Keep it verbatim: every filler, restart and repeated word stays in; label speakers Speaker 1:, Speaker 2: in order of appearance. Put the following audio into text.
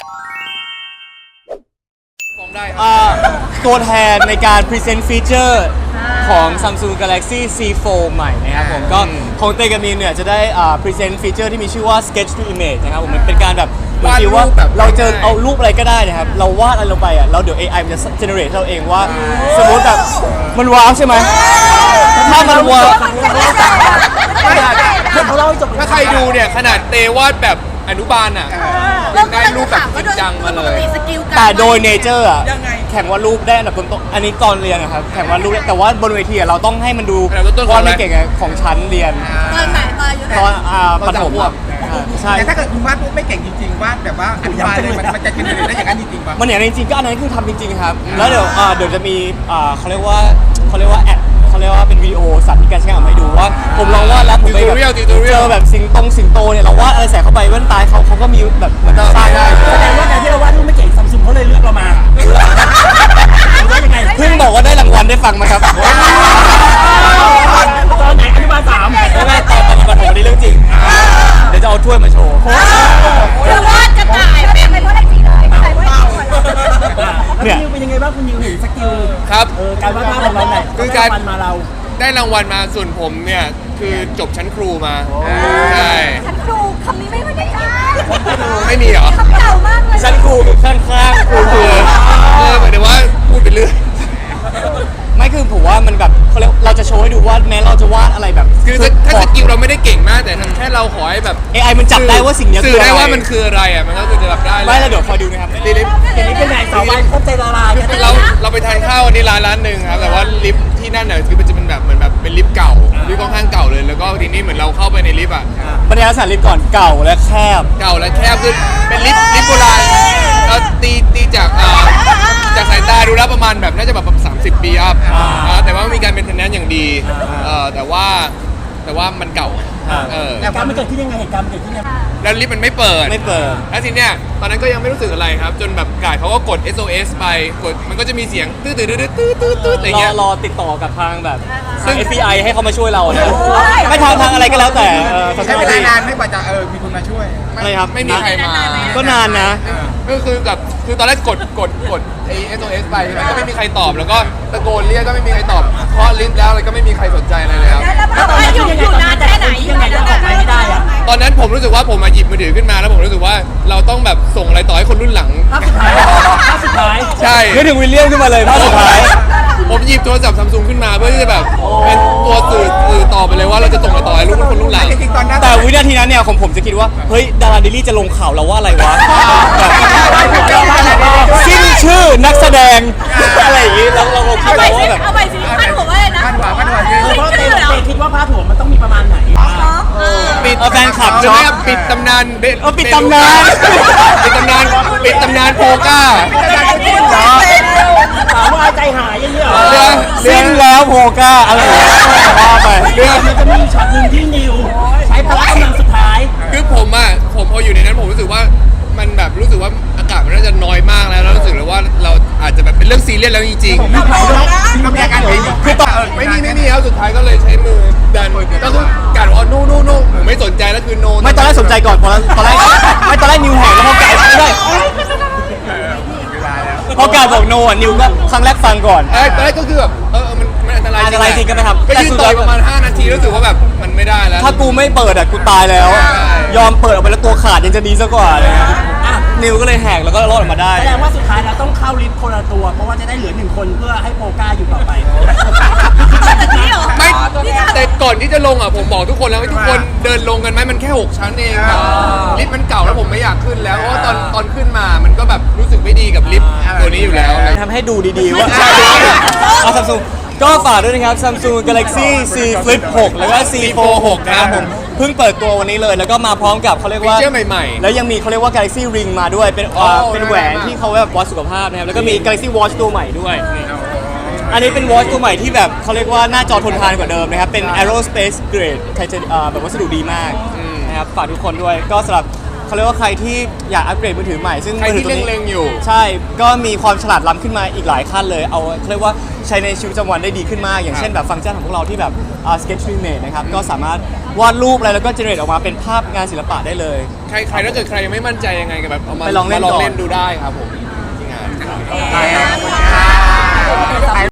Speaker 1: ตัวแทนในการ present feature ของ Samsung Galaxy ซี โฟร์ ใหม่นะครับผมก็ของเตกับมีนเนี่ยจะได้ present feature ที่มีชื่อว่า sketch to image นะครับผมมันเป็นการแบบเหมือนที่ว่าเราเจอเอารูปอะไรก็ได้นะครับเราวาดอะไรลงไปอ่ะเราเดี๋ยว เอ ไอ มันจะ generate เราเองว่าสมมติแบบมันว้าวใช่ไหมถ้ามันว้าว
Speaker 2: ถ้าใครดูเนี่ยขนาดเตวาดแบบอนุบาลอ่ะได้รูปแบบจริงจังมาเลย
Speaker 1: แต่โดยเนเจอร์อ่ะแข่งวาดรูปได้อันดับต้นๆอันนี้ตอนเรียนนะครับแข่งวาดรูปแต่ว่าบนเวทีเราต้องให้มันดูวาดไม่เก่งของชั้นเรียน
Speaker 3: ตอนไหนตอนอายุ
Speaker 1: ตอนอ่าประถมใช่
Speaker 4: แต่ถ้าเกิดคุณวาดรูปไม่เก่งจริงๆวาดแบบว่าอนุบาลเลยมันจะกินเลยได้อย่างนั้นจริงๆป่ะ
Speaker 1: มันอย่างนั้นจริงๆก็อันนั้นคือทำจริงๆครับแล้วเดี๋ยวเดี๋ยวจะมีเขาเรียกว่าเขาเรียกว่าแอดเขาเรียกว่าเป็นวิดีโอสาธิตการใช้งานให้ดูว่าผมลองวาดแล้วผมไปแบบเจอแบบสิงตงสิงโตเนี่ยเราวาดอะไรใส่เข้าไปแว่นตาเขาเขาก็มีแบบเหมือนสร้างได้
Speaker 5: แสดงว่าการที่เราวาดรูปไม่เก่งซัมซุงเขาเลยเลือกเรามาว่ายังไง
Speaker 1: เพิ่งบอกว่าได้รางวัลได้ฟังมาครับ
Speaker 5: ตอนไหนอนุบาลสาม
Speaker 1: ไม่ไม่ตอนตอนประถมนี่เรื่องจริงเดี๋ยวจะเอาถ้วยมาโชว์
Speaker 3: เธอวาดกระต่ายเป็นเพราะอะไรจริงเลยใส่ไว้ก่อน
Speaker 5: เนี่ยเป็นยังไงบ้างคุณนิวเห็นสกิล
Speaker 2: ครับ
Speaker 5: การวาดภาพของเราเนี่ย
Speaker 2: คือการ
Speaker 5: มาเรา
Speaker 2: ได้รางวัลมาส่วนผมเนี่ยคือจบชั้นครูมาใช่
Speaker 3: ชั้นครูคำนี้ไม่ได้ค่ะ
Speaker 2: ไม่มีเหรอ
Speaker 3: คำเก่ามากเลย
Speaker 1: ชั้นครูข้างข้างครูคือ
Speaker 2: เออหมายถึงว่าพูดไปเรื่อย
Speaker 1: ไม่คือผมว่ามันแบบเขาเรียกเราจะโชว์ให้ดูว่าแม้เราจะวาดอะไรแบบ
Speaker 2: คือถ้าสกิลเราไม่ได้เก่งมากแต่แค่เราขอให้แบบ
Speaker 1: เอ ไอ มันจับได้ว่าสิ่งนี้
Speaker 2: คือได้ว่ามันคืออะไรอ่ะมันก็คือจะจับได้
Speaker 1: ไม่แล้วเดี๋ยวคอยดูนะครับ
Speaker 2: ลิฟต์
Speaker 5: เห็นนี้เป็นไงสาววายครบใจละลาย
Speaker 2: เราเราไปทานข้าววันนี้ร้านร้านหนึ่งครับแต่ว่าลิฟต์ที่นั่นเนี่ยคือมันจะเป็นแบบเหมือนแบบเป็นลิฟต์เก่าลิฟต์ค่อนข้างเก่าเลยแล้วก็ทีนี้เหมือนเราเข้าไปในลิฟต์อ่ะ
Speaker 1: บรรยากาศลิฟต์ก่อนเก่าและแคบ
Speaker 2: เก่าและแคบคือเป็นลิฟต์ลิฟต์โบราณเราตีตีจากจากสายตาดูแล้วประมาณแบบน่าจะแบบสามสิบปีอัพแต่ว่ามีการเป็นเทนแนนอย่างดีแต่ว่าแต่ว่ามันเก่า
Speaker 5: เหตุการณ์มันเกิดที่ยังไงเหตุการณ์มันเกิดที่ยังไง
Speaker 2: แล้วลิฟต์มันไม่เปิด
Speaker 1: ไม่เปิด
Speaker 2: แล้วทีเนี้ยตอนนั้นก็ยังไม่รู้สึกอะไรครับจนแบบกาดเขาก็กด เอส โอ เอส ไปกดมันก็จะมีเสียงตื้อตื้อตื้อตื้อตื้อตื้ออะไรเงี้ย
Speaker 1: รอติดต่อกับทางแบบทาง เอฟ บี ไอ ให้เขามาช่วยเราเนี่ยไม่ทางทางอะไรก็แล้วแต่
Speaker 4: ใช้เวลานานไม่กว่าจะเออมีคนมาช่วย
Speaker 1: อะไรครับ
Speaker 2: ไม่มีใครมา
Speaker 1: ก็นานนะ
Speaker 2: ก็คือแบบคือตอนแรกกดกดกดไอ เอส โอ เอส ไปก็ไม่มีใครตอบแล้วก็ตะโกนเรียกก็ไม่มีใครตอบเคาะลิฟต์แล้วอะไรก็ไม่มีใครสนใจอะไรเลยครับ
Speaker 3: แล้วตอนนั้นอยู่อยู่นานแค่ไหน
Speaker 5: ยังไงก็ออกไปไม่ได้อะ
Speaker 2: ตอนนั้นผมรู้สึกว่าผมมาหยิบมือถือขึ้นมาแล้วผมรู้สึกว่าเราต้องแบบส่งอะไรต่อให้คนรุ่นหลัง
Speaker 5: ภาพสุดท้ายภาพสุดท้าย
Speaker 2: ใช่
Speaker 1: นึกถึงวิลเลียมขึ้นมาเลยภาพสุดท้าย
Speaker 2: ผมหยิบโทรศัพท์ซัมซุงขึ้นมาเพื่อที่จะแบบเป็นตัวสื่อสื่อต่อไปเลยว่าเราจะส่งอะไรต่อให้รุ่นคนรุ่นหลัง
Speaker 1: แต่วินาทีนั้นเนี่ยของผมจะคิดว่าเฮ้ยดาราเดลี่จะลงข่าวเราว่าอะไรวะสิ้นชื่อนักแสดงอะไรอย่างงี้แล้วเราคิดว่าแบบ
Speaker 3: เอาไปสิพาดหัวว่าอะไรนะ
Speaker 4: พาดหัวพาดหัว
Speaker 5: เพราะเต้คิดว่าพาดหัวมันต้องมีประมาณไหน
Speaker 2: ปิด
Speaker 1: แฟนคลับ
Speaker 2: จะไม่ปิดตำนาน
Speaker 1: เออปิดตำนาน
Speaker 2: ปิดตำนานปิดตำนานโพก้า
Speaker 5: ถามว่าใจหายยังไงเหรอ
Speaker 1: สิ้นแล้วโพก้าอะไรว่าไป
Speaker 5: เรื่องมันจะมีช็อตหนึ่งที่นิวใช้พลังกำลังสุดท้าย
Speaker 2: คือผมอ่ะผมพออยู่ในนั้นผมรู้สึกว่ามันแบบรู้สึกว่าอากาศมันน่าจะน้อยมากแล้วแล้วรู้สึกเลยว่าเราอาจจะแบบเป็นเรื่องซีเรียสแล้วจริงๆ
Speaker 4: ก็มีอาการเป็น
Speaker 2: คือต่อไม่มีไม่มีแล้วสุดท้ายก็เลยใช้มือดันก็คือการว่านู่นู่นู่ผมไม่สนใจแล้วคือโน
Speaker 1: ไม่ตอนแรกสนใจก่อนพอตอนแรกไม่ตอนแรกนิวแหกแล้วพอไก่ไม่ได้พอไก่บอกโนอ่ะนิวก็ครั้งแรกฟังก่อน
Speaker 2: เออตอนแรกก็คือแบบเออมันมันอันตราย
Speaker 1: อันตรายจริงก็ไม่ทำ
Speaker 2: ก็ยืนต่อยประมาณห้านาทีรู้สึกว่าแบบมันไม่ได้แล้ว
Speaker 1: ถ้ากูไม่เปิดอ่ะกูตายแล้วยอมเปิดออกไปแล้วตัวขาดยังจะดีซะกว่าเลยนิวก็เลยแหกแล้วก็รอดออกมาได้
Speaker 5: แสดงว่าสุดท้ายเราต้องเข้าลิฟต์คนละตัวเพราะว่าจะได้เหลือหนึ่งคนเพื่อให้โปก้าอยู่ต่อไป
Speaker 2: ไม่แต่ก่อนที่จะลงอ่ะผมบอกทุกคนแล้วให้ทุกคนเดินลงกันไหมมันแค่หกชั้นเองครับลิฟต์มันเก่าแล้วผมไม่อยากขึ้นแล้วเพราะว่าตอนตอนขึ้นมามันก็แบบรู้สึกไม่ดีกับลิฟต์ตัวนี้อยู่แล้ว
Speaker 1: ทำให้ดูดีๆว่าเอาซัมซุงก็ฝากด้วยนะครับ Samsung Galaxy Z Flip หกแล้วก็ ซี โฟร์ หกนะครับผมเพิ่งเปิดตัววันนี้เลยแล้วก็มาพร้อมกับเขาเรียกว่า
Speaker 2: ฟีเจอร์ใหม่ๆ
Speaker 1: แล้วยังมีเขาเรียกว่า Galaxy Ring มาด้วยเป็นเป็นแหวนที่เขาแบบวัดสุขภาพนะครับแล้วก็มี Galaxy Watch ตัวใหม่ด้วยอันนี้เป็น Watch ตัวใหม่ที่แบบเขาเรียกว่าหน้าจอทนทานกว่าเดิมนะครับเป็น Aerospace Grade ไทเทเนียมแบบวัสดุดีมากนะครับฝากทุกคนด้วยก็สำหรับเขาเรียกว่าใครที่อยากอัปเกรดมือถือใหม่ซึ่ง
Speaker 2: ใครที่เล็งๆอยู่
Speaker 1: ใช่ก็มีความฉลาดล้ำขึ้นมาอีกหลายขั้นเลยเอาเขาเรียกว่าใช้ในชีวิตประจำวันได้ดีขึ้นมากอย่างเช่นแบบฟังก์ชันของพวกเราที่แบบ sketch to image นะครับก็สามารถวาดรูปอะไรแล้วก็เจเนเรตออกมาเป็นภาพงานศิลปะได้เลย
Speaker 2: ใครใครถ้าเกิดใครยังไม่มั่นใจยังไงก็แบบเอามา
Speaker 1: ไปลองเล่น
Speaker 2: มาลอง
Speaker 1: ก่อน
Speaker 2: เล่นดูได้ครับผมที่งานครับ
Speaker 3: เอ๊ะ